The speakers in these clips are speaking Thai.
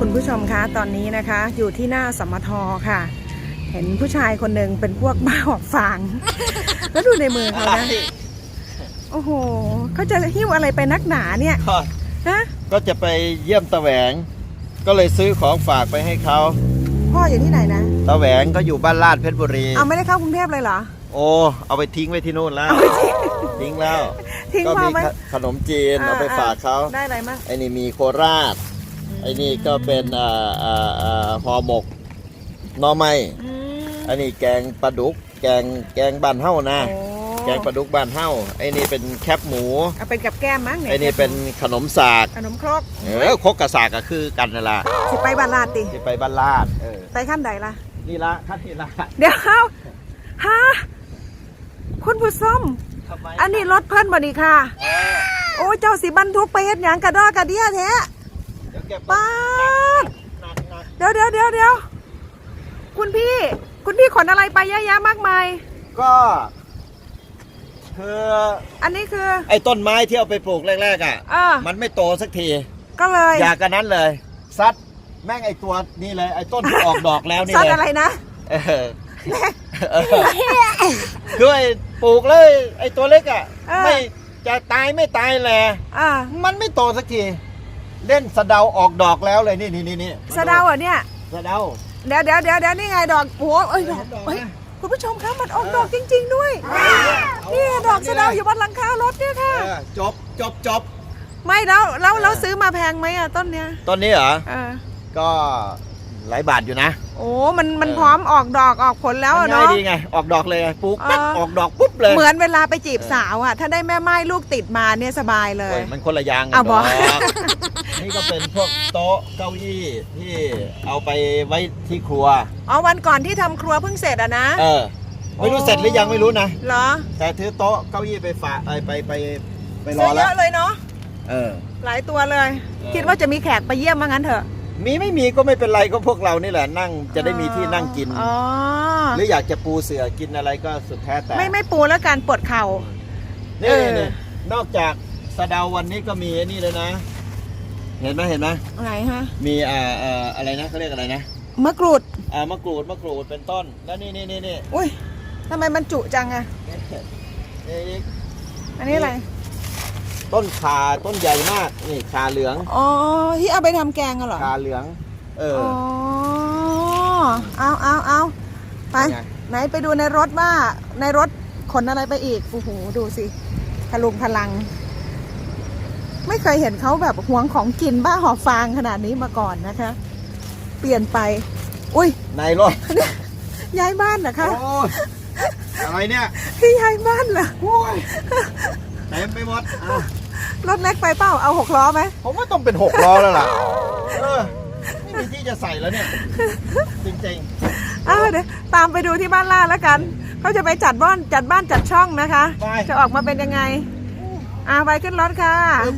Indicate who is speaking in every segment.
Speaker 1: คุณผู้ชมคะตอนนี้นะคะอยู่ที่หน้าสมทค่ะเห็นผู้ชายคนหนึ่งเป็นพวกบ้าหอกฟาง แล้วดูในมือเขานะโอ้โหเขาจะหิ้วอะไรไปนักหนาเนี่ยฮะ
Speaker 2: ก็จะไปเยี่ยมตะแหวงก็เลยซื้อของฝากไปให้เขา
Speaker 1: พ่ออยู่ที่ไหนนะ
Speaker 2: ตะแหวงก็อยู่บ้านลาดเพชรบุรี
Speaker 1: เอาไม่ได้เข้ากรุงเทพเลยเหรอ
Speaker 2: โอ้เอาไปทิ้งไว้ที่นู่นแล้วทิ้งแล้ว
Speaker 1: ก็
Speaker 2: มีขนมจีนเอาไปฝากเขา
Speaker 1: ได้อะไรมั้ง
Speaker 2: ไอ้นี่มีโคราชไอ้นี่ก็เป็นห่อหมกหน่อไม้อันนี้แกงปลาดุกแกงบ้านเฮ้านะแกงปลาดุกบ้านเฮ้าไอ้นี่เป็นแคบหมู
Speaker 1: เอาเป็นกับแก้มมั้ง
Speaker 2: ไอ้นี่เป็นขนมสาก
Speaker 1: ขนมครก
Speaker 2: ครกกับสากก็คือกันนั่นแหละ
Speaker 1: สิไปบ้านลาดติ
Speaker 2: สิไปบ้านลาด
Speaker 1: ไปขั้นใดล่ะ
Speaker 2: นี่ละขั้นนี่ละ
Speaker 1: เดี๋ยวฮะคุณผู้ชมอันนี้รถเพิ่นบ่นี่ค่ะโอ้เจ้าสิบรรทุกไปเฮ็ดหยังกระดอกกระเดี้ยแท้ป้าเดี๋ยวคุณพี่ขนอะไรไปเยอะแยะมากมาย
Speaker 2: ก็คือ
Speaker 1: อันนี้คือ
Speaker 2: ไอ้ต้นไม้ที่เอาไปปลูกแรกๆมันไม่โตสักที
Speaker 1: ก็เลย
Speaker 2: อยากกันนั้นเลยซัดแม่งไอ้ตัวนี่เลยไอ้ต้นที่ออกดอกแล้วนี่เลย
Speaker 1: ซัดอะไรนะ
Speaker 2: ด้วยปลูกเลยไอ้ตัวเล็กไม่จะตายไม่ตายแหละมันไม่โตสักทีเล่นสะเดาออกดอกแล้วเลยนี่
Speaker 1: สะเดาเหรอเนี่ย
Speaker 2: สะเดา
Speaker 1: เดี๋ยวนี่ไงดอกโอ้ยดอกคุณผู้ชมคะมันออกดอกจริงๆด้วยนี่ดอกสะเดาอยู่บนหลังคารถเนี่ยค่ะ
Speaker 2: จบ
Speaker 1: ไม่แล้วซื้อมาแพงไหมต้นเนี้ย
Speaker 2: ต้นนี้เหรอก็หลายบาทอยู่นะ
Speaker 1: โอ้มันพร้อมออกดอกออกผลแล้วเนาะ
Speaker 2: ดีไงออกดอกเลยปุ๊บออกดอกปุ๊บเลย
Speaker 1: เหมือนเวลาไปจีบสาวถ้าได้แม่ไม้ลูกติดมาเนี่ยสบายเลย
Speaker 2: มันคนละอย่างกันดอกนี่ก็เป็นพวกโต๊ะเก้าอี้ที่เอาไปไว้ที่ครัว
Speaker 1: วันก่อนที่ทำครัวเพิ่งเสร็จนะ
Speaker 2: ไม่รู้เสร็จหรือยังไม่รู้นะ
Speaker 1: เหรอ
Speaker 2: แต่ถือโต๊ะเก้าอี้ไปฝากไปรอแล้ว
Speaker 1: เยอะเลยเนาะหลายตัวเลยคิดว่าจะมีแขกไปเยี่ยมว่างั้นเถอะ
Speaker 2: ไม่มีก็ไม่เป็นไรก็พวกเรานี่แหละนั่งจะได้มีที่นั่งกินหรืออยากจะปูเสื่อกินอะไรก็สุดแท้แต่
Speaker 1: ไม่ปูแล้วการปวดเข่า
Speaker 2: นี่นอกจากสะเดาวันนี้ก็มีนี่เลยนะเห็นไหม
Speaker 1: ไหนฮะ
Speaker 2: มีอะไรนะเขาเรียกอะไรนะ
Speaker 1: มะกรูด
Speaker 2: มะกรูดเป็นต้นแล้วนี่
Speaker 1: อุ้ยทำไมมันจุจังอันนี้อะไร
Speaker 2: ต้นขาต้นใหญ่มากนี่ขาเหลือง
Speaker 1: ที่เอาไปทำแกงเหรอ
Speaker 2: ขาเหลือง
Speaker 1: เอาไปไหนไปดูในรถว่าในรถขนอะไรไปอีกโอ้โหดูสิพลุงพลังไม่เคยเห็นเขาแบบหวงของกินบ้าหอบฟางขนาดนี้มาก่อนนะคะเปลี่ยนไปอุ้ย
Speaker 2: ในรถ
Speaker 1: ย้ายบ้านเหรอคะ
Speaker 2: อะไรเนี่ย
Speaker 1: ที่ย้ายบ้านเหรอ
Speaker 2: เต็มไปหมด
Speaker 1: รถเล็กไปเปล่าเอา6 ล้อไหม
Speaker 2: ผมว่าต้องเป็น6 ล้อแล้วล่ะไม่มีที่จะใส่แล้วเนี่ยจริง
Speaker 1: ๆเดี๋ยวตามไปดูที่บ้านล่าแล้วกันเขาจะไปจัดบ้านจัดช่องนะคะจะออกมาเป็นยังไงไปขึ้นรถค่ะ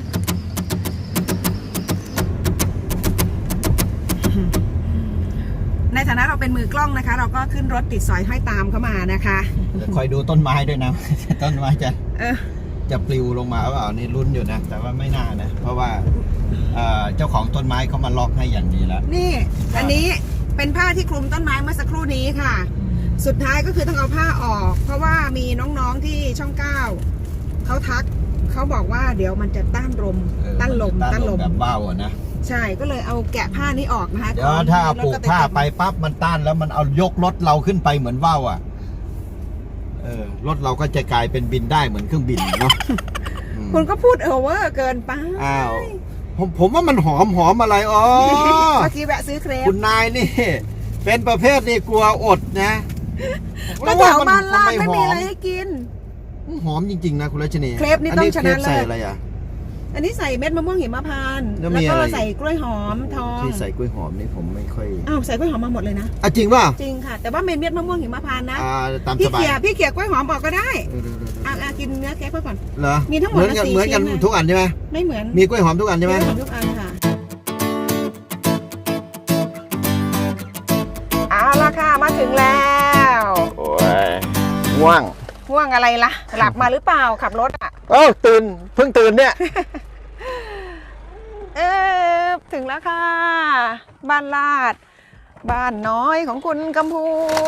Speaker 1: ในฐานะเราเป็นมือกล้องนะคะเราก็ขึ้นรถติดสอยห้อยตามเข้ามานะคะ
Speaker 2: คอยดูต้นไม้ด้วยนะต้นไม้จะปลิวลงมาเปล่านี่ลุ้นอยู่นะแต่ว่าไม่น่านะเพราะว่าเจ้าของต้นไม้เขามาล็อกให้อย่างดีแล้ว
Speaker 1: นี่อันนี้เป็นผ้าที่คลุมต้นไม้เมื่อสักครู่นี้ค่ะสุดท้ายก็คือต้องเอาผ้าออกเพราะว่ามีน้องๆที่ช่อง9เขาทักเขาบอกว่าเดี๋ยวมันจะต้านลม
Speaker 2: แบบว่าวนะ
Speaker 1: ใช่ก็เลยเอาแกะผ้านี้ออกนะคะ
Speaker 2: เดี๋ยวถ้าเอาปลูกผ้าไปปั๊บมันต้านแล้วมันเอายกรถเราขึ้นไปเหมือนว่าวรถเราก็จะกลายเป็นบินได้เหมือนเครื่องบินเนาะ
Speaker 1: คุณก็พูดเวอร์เกินไป
Speaker 2: ผมว่ามันหอมอะไร
Speaker 1: เมื่อกี้แวะซื้อเครป
Speaker 2: คุณนายนี่เป็นประเภทนี่กลัวอดนะ
Speaker 1: ก็แถวบ้านลาดไม่มีอะไรให้กิน
Speaker 2: หอมจริงๆนะคุณรัชนี
Speaker 1: เครปนี่ต้องชนะเลย
Speaker 2: ใส่อะไร
Speaker 1: อันนี้ใส่เม็ดมะม่วงหิมพานต์แล้วก็ใส่กล้วยหอมทอง
Speaker 2: ที่ใส่กล้วยหอมนี่ผมไม่ค่อย
Speaker 1: ใส่กล้วยหอมมาหมดเลยนะ
Speaker 2: จริงป่ะ
Speaker 1: จริงค่ะแต่ว่าเม็ดมะม่วงหิมพานต์นะ
Speaker 2: ตามสบาย
Speaker 1: พี่เขี่ยกล้วยหอมบอกก็ได้กินเนื้อแกะก่อน
Speaker 2: เหรอ
Speaker 1: มีทั้งหมด
Speaker 2: เหมือนกันทุกอันใช่ไหม
Speaker 1: ไม่เหมือน
Speaker 2: มีกล้วยหอมทุกอันใช่ไหม
Speaker 1: ทุกอันค่ะละค่ะมาถึงแล้ว
Speaker 2: โอ้ยง่วง
Speaker 1: อะไรล่ะหลับมาหรือเปล่าขับรถ
Speaker 2: ตื่นเพิ่งตื่นเนี่ย
Speaker 1: ถึงแล้วค่ะ บ้านลาด บ้านน้อยของคุณกัมพู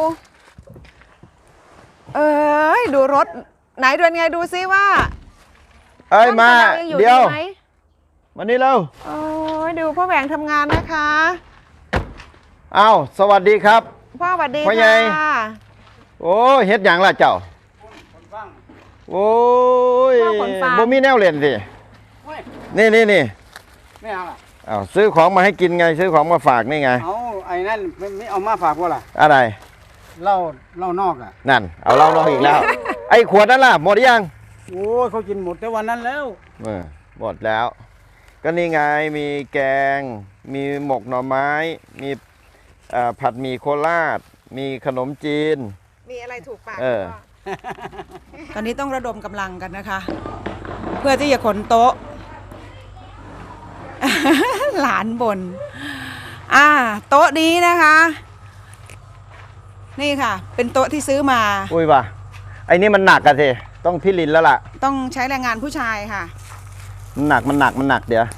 Speaker 1: เอ้ยดูรถไหนเดินไงดูซิว่า
Speaker 2: เอ้ยมา
Speaker 1: ช่งกำลังงอ
Speaker 2: เดี๋ยว
Speaker 1: ไหม
Speaker 2: มานี่เร็ว
Speaker 1: โอ้ยดูพ่อแหวงทำงานนะคะ
Speaker 2: อ้าวสวัสดีครับ
Speaker 1: พ่อสวัสดี
Speaker 2: พ่อใหญ่
Speaker 1: ค่ะ
Speaker 2: โอ้เฮ็ดหยังล่ะเจ้าโอ้ย
Speaker 1: พ่อขนฟาง
Speaker 2: บ่มีแนวเล่นสินี่
Speaker 3: ไม่เอาล่ะ
Speaker 2: อ้าวซื้อของมาให้กินไง ซื้อของมาฝากนี่ไง
Speaker 3: เอาไอ้นั่นไม่เอามาฝากว่าล่ะ
Speaker 2: อะไร
Speaker 3: เหล้านอกอ่ะ
Speaker 2: นั่น เอาเหล้านอกอีกแล้ว ไอ้ขวดนั่นล่ะหมดหรือยัง
Speaker 3: โอ้ยเขากินหมดแต่วันนั้นแล้ว
Speaker 2: หมดแล้ว ก็นี่ไงมีแกง มีหมกหน่อไม้ มีผัดหมี่โคราช มีขนมจีน
Speaker 1: มีอะไรถูกปาก
Speaker 2: เออ
Speaker 1: ตอนนี้ต้องระดมกำลังกันนะคะ เพื่อที่จะขนโต๊ะ หลานบนโต๊ะนี้นะคะ นี่ค่ะ เป็นโต๊ะที่ซื้อมา
Speaker 2: อุ้ยว่ะไอ้นี่มันหนักอะสิต้องพี่ลินแล้วล่ะ
Speaker 1: ต้องใช้แรงงานผู้ชายค่ะ
Speaker 2: มันหนักเดี๋ยว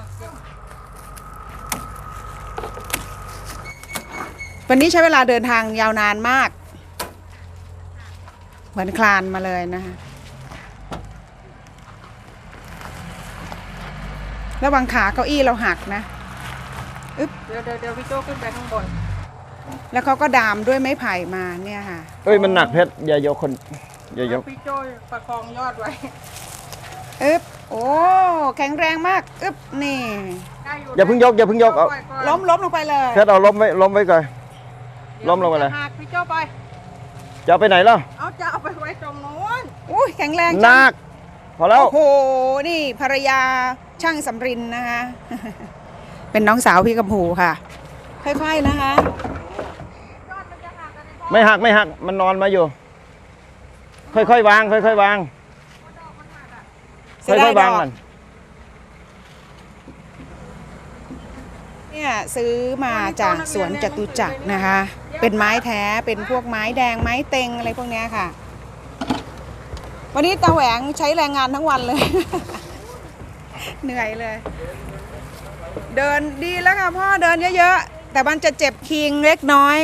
Speaker 1: วันนี้ใช้เวลาเดินทางยาวนานมาก เหมือนคลานมาเลยนะคะระวังขาเก้าอี้เราหักนะอึ๊บเดี๋ยวพี่โจ้ขึ้นไปข้างบน แล้วเขาก็ดามด้วยไม้ไผ่มาเนี่ยค่ะ
Speaker 2: เอ้ยมันหนักเพชรอย่ายกคนอย่ายก
Speaker 3: พี่โจ้ประคองยอดไว้
Speaker 1: อึ๊บโอ้แข็งแรงมากอึ๊บนี่
Speaker 2: อย่าเพิ่งยกเอา
Speaker 1: ล้มลงไปเลย
Speaker 2: เพชรเอาล้มไว้ก่อนล้มลงไปเลย
Speaker 3: หักพี่โจ้ไป
Speaker 2: จะเอาไปไหนล่ะ
Speaker 3: เอาจะเอาไปไว้ตรงโน้น
Speaker 1: อุ้ยแข็งแรง
Speaker 2: ห
Speaker 1: จั
Speaker 2: นั
Speaker 1: ง
Speaker 2: กพอแล้ว
Speaker 1: โอ้โหนี่ภรรยาช่างสำรินนะคะ เป็นน้องสาวพี่กัมพูค่ะ ค่อยๆนะคะ
Speaker 2: ไม่หักมันนอนมาอยู่ ค่อยๆวางค่อยๆวาง
Speaker 1: เสียดายดอก
Speaker 2: วางมัน
Speaker 1: เนี่ยซื้อมาจากสวนจตุจักรนะคะ เป็นไม้แท้เป็นพวกไม้แดงไม้เต็งอะไรพวกเนี้ยค่ะ วันนี้ตาแหวงใช้แรงงานทั้งวันเลย เหนื่อยเลย เดินดีแล้วค่ะพ่อเดินเยอะๆแต่มันจะเจ็บคิงเล็กน้อย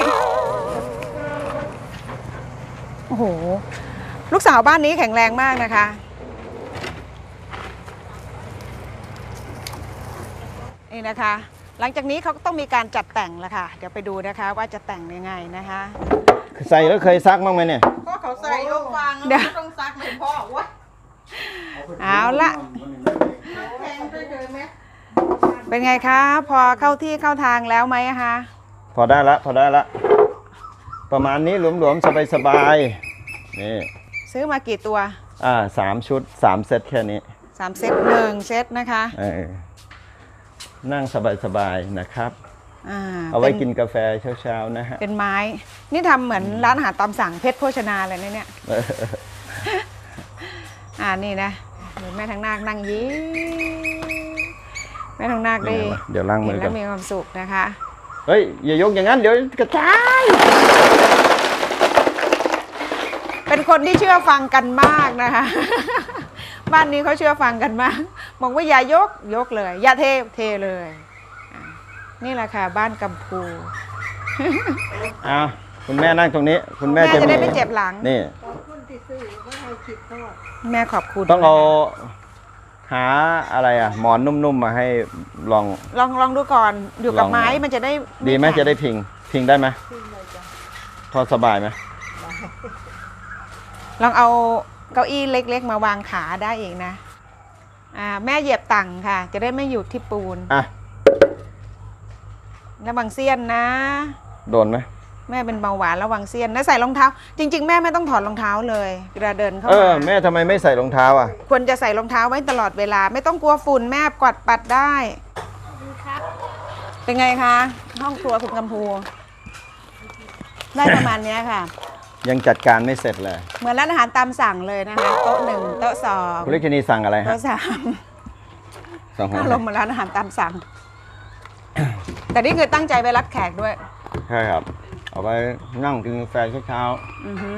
Speaker 1: โอ้โหลูกสาวบ้านนี้แข็งแรงมากนะคะนี่นะคะ หลังจากนี้เขาก็ต้องมีการจัดแต่งแล้วค่ะเดี๋ยวไปดูนะคะว่าจะแต่งยังไงนะคะ
Speaker 2: ใส่แล้วเคยซักบ้างไหมเนี่ย
Speaker 3: ก็เขาใส่ยกวาง
Speaker 1: เดี๋ยว
Speaker 3: ต้องซักเลยพ่อวะ
Speaker 1: เอาละ
Speaker 3: แพงด้วยเลยไหม
Speaker 1: เป็นไงคะ พอเข้าที่เข้าทางแล้วไหมคะ
Speaker 2: พอได้ละประมาณนี้หลวมๆสบายๆนี่
Speaker 1: ซื้อมากี่ตัว
Speaker 2: 3 ชุด 3 เซตแค่นี้
Speaker 1: 3 เซต1เซตนะคะ
Speaker 2: นั่งสบายๆนะครับ
Speaker 1: อ่า
Speaker 2: เอาไว้
Speaker 1: ป็
Speaker 2: กินกาแฟเช้าๆนะฮะ
Speaker 1: เป็นไม้ นี่ทำเหมือนร้านอาหารตามสั่งเพชรโภชนาเลยนะเนี่ย นี่นะเดี๋ยวแม่ทางนาคนั่งยิ้มแม่ทางนาคได้
Speaker 2: เดี๋ยวล้างมื
Speaker 1: เห็
Speaker 2: อน กั
Speaker 1: แล้
Speaker 2: น
Speaker 1: วมีความสุขนะคะ
Speaker 2: เฮ้ยอย่ายกอย่างนั้นเดี๋ยวกระจาย
Speaker 1: เป็นคนที่เชื่อฟังกันมากนะคะ บ้านนี้เขาเชื่อฟังกันมากบอกว่าอย่ายกเลย อย่าเทเลยนี่แหละค่ะบ้านกัมพู
Speaker 2: คุณแม่นั่งตรงนี้ คุณแม่
Speaker 1: แม่
Speaker 2: จะ
Speaker 1: จะได้
Speaker 2: มี
Speaker 1: ไม่เจ็บหลัง
Speaker 2: นี่
Speaker 1: แม่ขอบคุณ
Speaker 2: ต้องเอาหาอะไรหมอนนุ่มๆมาให้ลอง
Speaker 1: ลองดูก่อนอยู่กับ
Speaker 2: ลอง
Speaker 1: ไม้มันจะได้
Speaker 2: ดีไหม
Speaker 1: แข็ง
Speaker 2: จะได้พิงได้ไหมพอสบายไหม
Speaker 1: ลองเอาเก้าอี้เล็กๆมาวางขาได้อีกนะแม่เหยียบตังค่ะ จะได้ไม่อยู่ที่ปูนระวังเสี้ยนนะ
Speaker 2: โดนไหม
Speaker 1: แม่เป็นเบาหวานระวังเสี้ยนนะใส่รองเท้า จริงๆแม่ไม่ต้องถอดรองเท้าเลยเวลาเดินเข้ามา
Speaker 2: แม่ทำไมไม่ใส่รองเท้า
Speaker 1: ควรจะใส่รองเท้าไว้ตลอดเวลา ไม่ต้องกลัวฝุ่นแม่กวาดปัดได้เป็นไงคะห้องครัวคุณกัมพูได้ประมาณเนี้ยค่ะ
Speaker 2: ยังจัดการไม่เสร็จเลย
Speaker 1: เหมือนร้านอาหารตามสั่งเลยนะคะโต๊ะ1โต๊ะ2
Speaker 2: คุณลิขินีสั่งอะไรฮะ
Speaker 1: โต๊ะ3
Speaker 2: สั่ง
Speaker 1: อารมณ์เหมือนร้านอาหารตามสั่ง แต่นี่คือตั้งใจไปรับแขกด้วย
Speaker 2: ใช่ครับ เอาไปนั่งกินกาแฟเช้า
Speaker 1: อือฮึ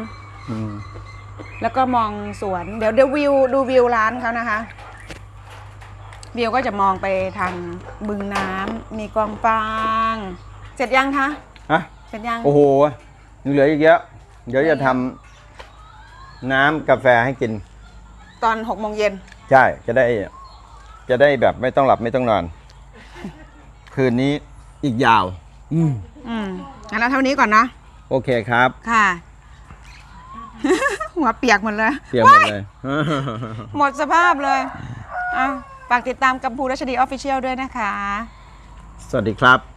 Speaker 2: ๆ
Speaker 1: แล้วก็มองสวนเดี๋ยววิวดูวิวร้านเขานะคะวิวก็จะมองไปทางบึงน้ำมีกองฟางเสร็จยังคะ
Speaker 4: ฮะ
Speaker 1: เสร็จยัง
Speaker 4: โอ้โหยังเหลืออีกเยอะเดี๋ยวจะทำน้ำกาแฟให้กิน
Speaker 1: ตอน6 โมงเย็น
Speaker 4: ใช่จะได้แบบไม่ต้องหลับไม่ต้องนอน คืนนี้อีกยาว
Speaker 1: งั้นเราเท่านี้ก่อนนะ
Speaker 4: โอเคครับ
Speaker 1: ค่ะ หัวเปียกหมดเลย
Speaker 4: เตรียมหมดเลย
Speaker 1: หมดสภาพเลยฝากติดตามกัมพูรัชดีออฟฟิเชียลด้วยนะคะ
Speaker 4: สวัสดีครับ